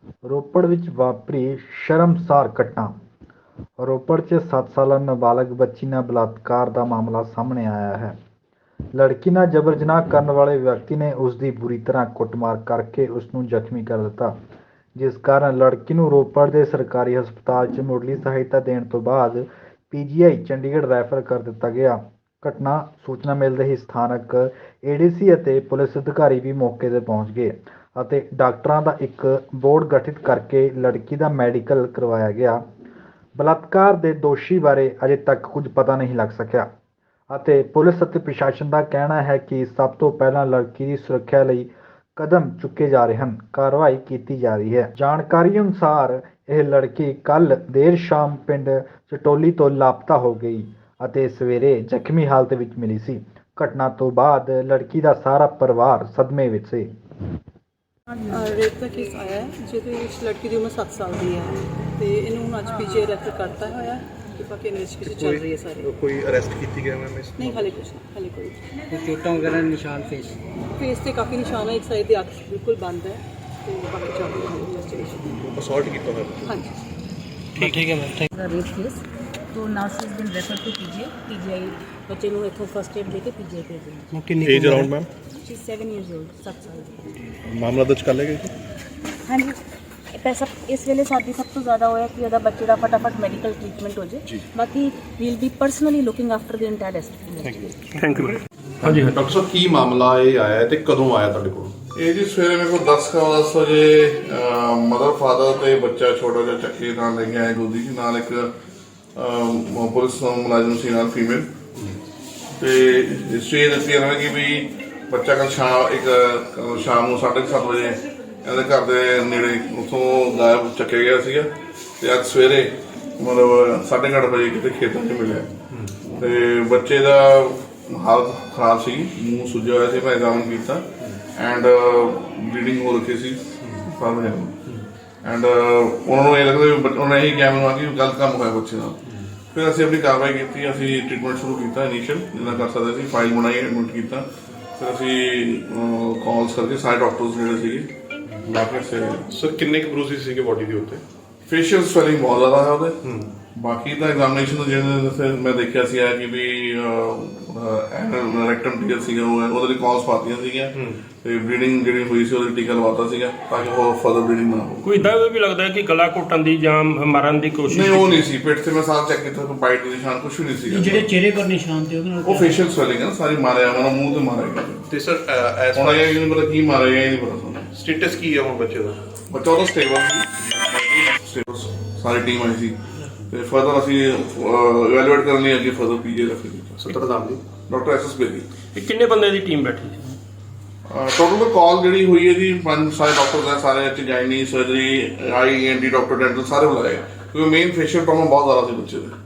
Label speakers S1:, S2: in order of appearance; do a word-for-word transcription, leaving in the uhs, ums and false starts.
S1: ਰੋਪੜ ਵਿੱਚ ਵਾਪਰੀ ਸ਼ਰਮਸਾਰ ਘਟਨਾ। ਰੋਪੜ 'ਚ ਸੱਤ ਸਾਲਾ ਨਾਬਾਲਗ ਬੱਚੀ ਨਾਲ ਬਲਾਤਕਾਰ ਦਾ ਮਾਮਲਾ ਸਾਹਮਣੇ ਆਇਆ ਹੈ। ਲੜਕੀ ਨਾਲ ਜਬਰ ਜਨਾਹ ਕਰਨ ਵਾਲੇ ਵਿਅਕਤੀ ਨੇ ਉਸ ਦੀ ਬੁਰੀ ਤਰ੍ਹਾਂ ਕੁੱਟਮਾਰ ਕਰਕੇ ਉਸ ਨੂੰ ਜ਼ਖਮੀ ਕਰ ਦਿੱਤਾ, ਜਿਸ ਕਾਰਨ ਲੜਕੀ ਨੂੰ ਰੋਪੜ ਦੇ ਸਰਕਾਰੀ ਹਸਪਤਾਲ 'ਚ ਮੁੱਢਲੀ ਸਹਾਇਤਾ ਦੇਣ ਤੋਂ ਬਾਅਦ ਪੀ ਜੀ ਆਈ ਚੰਡੀਗੜ੍ਹ ਰੈਫਰ ਕਰ ਦਿੱਤਾ ਗਿਆ। ਘਟਨਾ ਸੂਚਨਾ ਮਿਲਦੇ ਹੀ ਸਥਾਨਕ ਏ ਡੀ ਸੀ ਅਤੇ ਪੁਲਿਸ ਅਧਿਕਾਰੀ ਵੀ ਮੌਕੇ 'ਤੇ ਪਹੁੰਚ ਗਏ ਅਤੇ ਡਾਕਟਰਾਂ ਦਾ ਇੱਕ ਬੋਰਡ ਗਠਿਤ ਕਰਕੇ ਲੜਕੀ ਦਾ ਮੈਡੀਕਲ ਕਰਵਾਇਆ ਗਿਆ। ਬਲਾਤਕਾਰ ਦੇ ਦੋਸ਼ੀ ਬਾਰੇ ਅਜੇ ਤੱਕ ਕੁਝ ਪਤਾ ਨਹੀਂ ਲੱਗ ਸਕਿਆ ਅਤੇ ਪੁਲਿਸ ਅਤੇ ਪ੍ਰਸ਼ਾਸਨ ਦਾ ਕਹਿਣਾ ਹੈ ਕਿ ਸਭ ਤੋਂ ਪਹਿਲਾਂ ਲੜਕੀ ਦੀ ਸੁਰੱਖਿਆ ਲਈ ਕਦਮ ਚੁੱਕੇ ਜਾ ਰਹੇ ਹਨ, ਕਾਰਵਾਈ ਕੀਤੀ ਜਾ ਰਹੀ ਹੈ। ਜਾਣਕਾਰੀ ਅਨੁਸਾਰ ਇਹ ਲੜਕੀ ਕੱਲ੍ਹ ਦੇਰ ਸ਼ਾਮ ਪਿੰਡ ਚਟੋਲੀ ਤੋਂ ਲਾਪਤਾ ਹੋ ਗਈ ਅਤੇ ਸਵੇਰੇ ਜ਼ਖਮੀ ਹਾਲਤ ਵਿੱਚ ਮਿਲੀ ਸੀ। ਘਟਨਾ ਤੋਂ ਬਾਅਦ ਲੜਕੀ ਦਾ ਸਾਰਾ ਪਰਿਵਾਰ ਸਦਮੇ ਵਿੱਚ ਸੀ।
S2: ਰੇਪ ਦਾ ਕੇਸ ਆਇਆ ਹੈ ਜਿਹਦੇ ਵਿੱਚ ਲੜਕੀ ਦੀ ਉਮਰ ਸੱਤ ਸਾਲ ਦੀ ਹੈ ਤੇ ਇਹਨੂੰ ਹੁਣ ਅੱਜ ਪੀ ਜੀ ਆਈ ਰੈਫਰ ਕਰਤਾ ਹੋਇਆ ਤੇ ਬਾਕੀ ਇਨਵੈਸਟੀਗੇਸ਼ਨ ਚੱਲ ਰਹੀ ਹੈ ਸਾਰੀ।
S3: ਕੋਈ ਅਰੈਸਟ ਕੀਤੀ ਗਿਆ ਮੈਮ ਇਸ
S2: ਨਹੀਂ, ਹਾਲੇ ਕੁਛ ਨਹੀਂ, ਹਾਲੇ ਕੋਈ
S4: ਕੋਈ ਚੋਟਾਂ ਵਗੈਰਾ ਨਿਸ਼ਾਨ ਫੇਸ
S2: ਫੇਸ ਤੇ ਕਾਫੀ ਨਿਸ਼ਾਨ ਹੈ, ਇੱਕ ਸਾਈਡ ਦੀ ਅੱਖ ਬਿਲਕੁਲ ਬੰਦ ਹੈ ਤੇ ਬਾਕੀ ਚੱਲ ਰਹੀ ਹੈ ਇਨਵੈਸਟੀਗੇਸ਼ਨ।
S3: ਅਸੌਲਟ ਕੀਤਾ ਹੋਇਆ।
S2: ਹਾਂਜੀ
S4: ਠੀਕ ਠੀਕ ਹੈ ਮੈਮ ਥੈਂਕ
S5: ਦਾ ਰੇਪ ਕੇਸ ਤੋਂ now she is been refer to PGI PGI ਬੱਚੇ ਨੂੰ ਇੱਥੋਂ ਫਸਟ ਏਡ ਦੇ ਕੇ ਪੀਜੀਆਈ ਭੇਜ ਦਿੱਤਾ।
S4: ਯੂ ਕਿੰਨੀ
S3: age around ma'am
S5: she is seven years old, ਸੱਤ ਸਾਲ ਦੀ।
S3: ਮਾਮਲਾ ਦਰਜ ਕਰ ਲਿਆ ਗਿਆ ਜੀ।
S5: ਹਾਂਜੀ, ਪੈਸਾ ਇਸ ਵੇਲੇ ਸਾਡੀ ਸਭ ਤੋਂ ਜ਼ਿਆਦਾ ਹੋਇਆ ਕਿ ਉਹਦਾ ਬੱਚੇ ਦਾ ਫਟਾਫਟ ਮੈਡੀਕਲ ਟ੍ਰੀਟਮੈਂਟ ਹੋ ਜੇ। ਬਾਕੀ will be personally looking after the entire investigation.
S3: Thank you. ਹਾਂਜੀ
S6: ਡਾਕਟਰ ਸਾਹਿਬ, ਕੀ ਮਾਮਲਾ ਇਹ ਆਇਆ ਹੈ ਤੇ ਕਦੋਂ ਆਇਆ ਤੁਹਾਡੇ ਕੋਲ?
S7: ਇਹ ਜੀ ਸਵੇਰੇ ਮੇਰੇ ਕੋਲ ਦਸ ਕਾ ਦਸ ਵਜੇ ਮਦਰ ਫਾਦਰ ਤੇ ਬੱਚਾ ਛੋਟਾ ਜਿਹਾ ਚੱਕੀ ਨਾਲ ਲੈ ਕੇ ਆਏ ਗੋਦੀ ਚ, ਨਾਲ ਇੱਕ ਅਹ, ਪੁਲਿਸ ਮੁਲਾਜ਼ਮ ਸੀ ਨਾਲ ਫੀਮੇਲ। ਤੇ ਸਵੇਰ ਦੱਸੀ ਇਹਨਾਂ ਨੇ ਕਿ ਵੀ ਬੱਚਾ ਕੱਲ ਸ਼ਾਮ ਇੱਕ ਕੱਲ੍ਹ ਸ਼ਾਮ ਨੂੰ ਸਾਢੇ ਕੁ ਸੱਤ ਵਜੇ ਇਹਨਾਂ ਦੇ ਘਰ ਦੇ ਨੇੜੇ ਉੱਥੋਂ ਗਾਇਬ ਚੱਕਿਆ ਗਿਆ ਸੀਗਾ ਤੇ ਅੱਜ ਸਵੇਰੇ ਮਤਲਬ ਸਾਢੇ ਕੁ ਅੱਠ ਵਜੇ ਕਿਤੇ ਖੇਤਾਂ 'ਚ ਮਿਲਿਆ ਤੇ ਬੱਚੇ ਦਾ ਹਾਲਤ ਖਰਾਬ ਸੀ, ਮੂੰਹ ਸੁੱਜਿਆ ਹੋਇਆ ਸੀ। ਮੈਂ ਐਗਜ਼ਾਮਨ ਕੀਤਾ ਐਂਡ ਬਲੀਡਿੰਗ ਹੋ ਰੱਖੀ ਸੀ ਫਾਰਮ ਐਂਡ ਉਹਨਾਂ ਨੂੰ ਇਹ ਲੱਗਦਾ ਵੀ ਉਹਨਾਂ ਨੇ ਇਹੀ ਕਿਹਾ ਮੈਨੂੰ ਆ ਕਿ ਗਲਤ ਕੰਮ ਹੋਇਆ ਬੱਚੇ ਨਾਲ। ਫਿਰ ਅਸੀਂ ਆਪਣੀ ਕਾਰਵਾਈ ਕੀਤੀ, ਅਸੀਂ ਟ੍ਰੀਟਮੈਂਟ ਸ਼ੁਰੂ ਕੀਤਾ ਇਨੀਸ਼ੀਅਲ ਜਿੰਨਾ ਕਰ ਸਕਦੇ ਸੀ, ਫਾਈਲ ਬਣਾਈ, ਐਡਮਿਟ ਕੀਤਾ। ਫਿਰ ਅਸੀਂ ਕਾਲਸ ਕਰਕੇ ਸਾਰੇ ਡਾਕਟਰਸ ਜਿਹੜੇ ਸੀਗੇ ਲਾ ਕੇ ਸੇ
S3: ਸਰ ਕਿੰਨੇ ਕੁ ਬਰੂਸਿਸ ਸੀਗੇ ਬੋਡੀ ਦੇ ਉੱਤੇ?
S7: ਫੇਸ਼ੀਅਲ ਸਵੈਲਿੰਗ ਬਹੁਤ ਜ਼ਿਆਦਾ ਹੈ ਉਹਦੇ। ਬਾਕੀ ਤਾਂ ਐਗਜ਼ਾਮੀਨੇਸ਼ਨ ਤੋਂ ਜਿਹੜੇ ਮੈਂ ਦੇਖਿਆ ਸੀ ਕਿ ਵੀ ਰੈਕਟਮ ਟੀਕਾ ਸੀਗਾ ਉਹ ਉਹਦੇ ਲਈ ਕਾਲਸ ਪਾਤੀਆਂ ਸੀਗੀਆਂ ਤੇ ਬਲੀਡਿੰਗ ਜਿਹੜੀ ਹੋਈ ਸੀ ਉਹਦੇ ਟੀਕਾ ਲਵਾਤਾ ਸੀਗਾ ਤਾਂ ਕਿ ਉਹ ਫਰਦਰ ਬਲੀਡਿੰਗ ਨਾ ਹੋਵੇ।
S8: ਕੋਈ ਇਦਾਂ ਵੀ ਲੱਗਦਾ ਕਿ ਗਲਾ ਘੁੱਟਣ ਦੀ ਜਾਂ ਮਾਰਨ ਦੀ ਕੋਸ਼ਿਸ਼?
S7: ਨਹੀਂ, ਉਹ ਨਹੀਂ ਸੀ। ਪਿੱਠ ਤੇ ਮੈਂ ਸਾਰਾ ਚੈੱਕ ਕੀਤਾ, ਕੋਈ ਬਾਈਟ ਦੇ ਨਿਸ਼ਾਨ ਕੁਝ ਵੀ ਨਹੀਂ ਸੀਗਾ।
S4: ਜਿਹੜੇ ਚਿਹਰੇ ਪਰ ਨਿਸ਼ਾਨ ਤੇ ਉਹਦੇ ਨਾਲ
S7: ਉਹ ਫੇਸ਼ੀਅਲ ਸਵੈਲਿੰਗ ਹੈ, ਸਾਰੀ ਮਾਰਿਆ ਉਹਨਾਂ ਮੂੰਹ ਤੇ ਮਾਰਿਆ ਗਿਆ
S3: ਤੇ ਸਰ ਐਸ
S7: ਹੁਣ ਇਹ ਨਹੀਂ ਪਤਾ ਕੀ ਮਾਰਿਆ ਗਿਆ, ਇਹ ਨਹੀਂ ਪਤਾ ਸਾਨੂੰ।
S3: ਸਟੇਟਸ ਕੀ ਹੈ ਹੁਣ ਬੱਚੇ ਦਾ?
S7: ਬੱਚਾ ਉਹਦਾ ਸਟੇਬਲ ਸੀ, ਸਟੇਬਲ ਸਾਰੀ ਟੀਮ ਆਈ ਸੀ ਤੇ ਫਰਦਰ ਅਸੀਂ ਇਵੈਲੂਏਟ ਕਰਨ ਲਈ ਅੱਗੇ ਫਰਦਰ ਪੀਜੀ ਰੈਫਰ ਕੀਤਾ।
S3: ਸੱਤਰ ਨਾਮ ਦੀ
S7: ਡਾਕਟਰ ਐਸ ਐਸ ਬੇਦੀ।
S8: ਇਹ ਕਿੰਨੇ ਬੰਦੇ ਦੀ ਟੀਮ ਬੈਠੀ ਸੀ?
S7: ਟੋਟਲ ਕਾਲ ਜਿਹੜੀ ਹੋਈ ਹੈ ਜੀ ਪੰਜ ਸਾਰੇ ਡਾਕਟਰ ਹੈ, ਸਾਰੇ ਇੱਥੇ gynae, surgery, I N D doctor, dental ਸਾਰੇ ਬੁਲਾਏ ਕਿਉਂਕਿ ਮੇਨ ਫੇਸ਼ੀਅਲ ਪ੍ਰੋਬਲਮ ਬਹੁਤ ਜ਼ਿਆਦਾ ਸੀ ਬੱਚੇ ਦੇ।